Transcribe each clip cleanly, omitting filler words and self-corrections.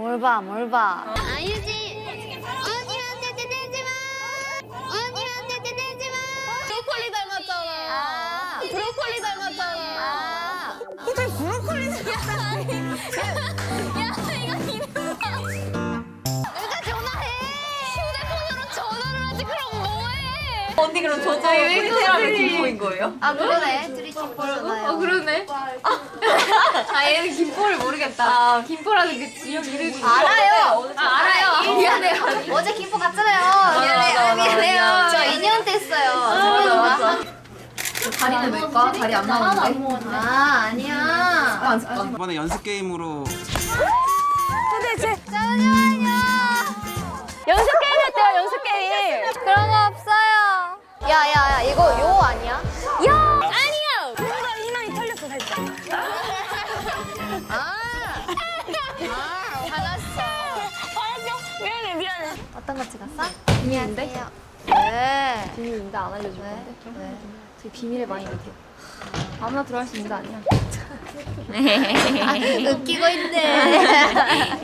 뭘 봐, 뭘 봐. 아유지 언니한테 대지 마. 언니한테 대지 마. 브로콜리 닮았잖아. 브로콜리 닮았잖아. 어떻게 브로콜리 생겼어? 야 이거 이름 봐. 누가 전화해? 휴대폰으로 전화를 하지 그럼 뭐해? 언니 그럼 저도 프리테라면 김포인 거예요? 아, 그러네. 둘이 친구잖아요. 그러네. 아 얘는 김포를 모르겠다. 김포라는 그 지역 이름이 알아요. 알아요. 미안해요. 어제 김포 갔잖아요. 미안해요. 미안해요. 저 2년 됐어요. 맞아. 다리는 왜까? 다리 안 나오는데? 아, 아니야. 이번에 연습 게임으로 잠시만요. 연습 게임 했대요, 연습 게임. 그런 거 없어요. 야, 이거 요 아니야? 야! 아니요! 뭔가 희망이 털렸어, 살짝. 화났어. 미안해. 어떤 거 찍었어? 비밀인데? 왜? 비밀인데 안 알려줄 건데? 왜? 제 비밀의 방이거든. 아무나 들어갈 수 있는 거 아니야. 웃기고 있네.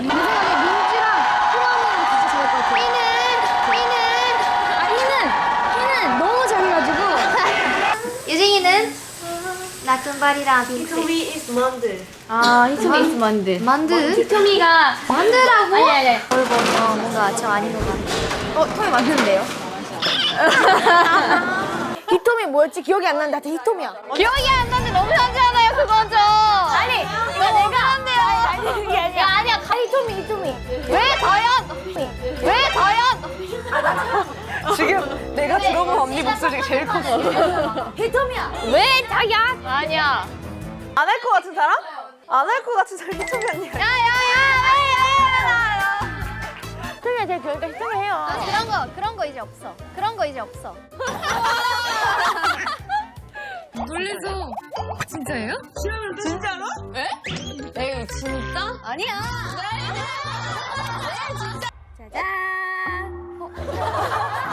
희는 너무 잘해가지고. 유진이는 나쁜발이랑 빈트. 히토미 is 만들. 아 히토미 is 만드. 만두? 히토미가 만두라고? 아니. 뭔가 저 아닌 것 같아. 토미 만드는데요? 히토미 뭐였지? 기억이 안 나는데 하여튼 히토미야. 기억이 안 나는데 너무 현지하나요, 그건 좀. 아니, 너무 그런데요. 아니 그게 아니야. 야, 아니야. 히토미. 왜 다현? 왜 다현? 지금 내가 들어본 언니 목소리가 제일 컸어. 히토미야. 왜 다현? 아니야. 안 할 것 같은 사람? 안 할 것 같은 사람 히토미 아니야. 히토미야 제일 그러니까 히토미 해요. 그런 거 이제 없어. 그런 거 이제 없어. 놀래서. 진짜예요? 진짜로? 에이 진짜? 아니야. 짜잔.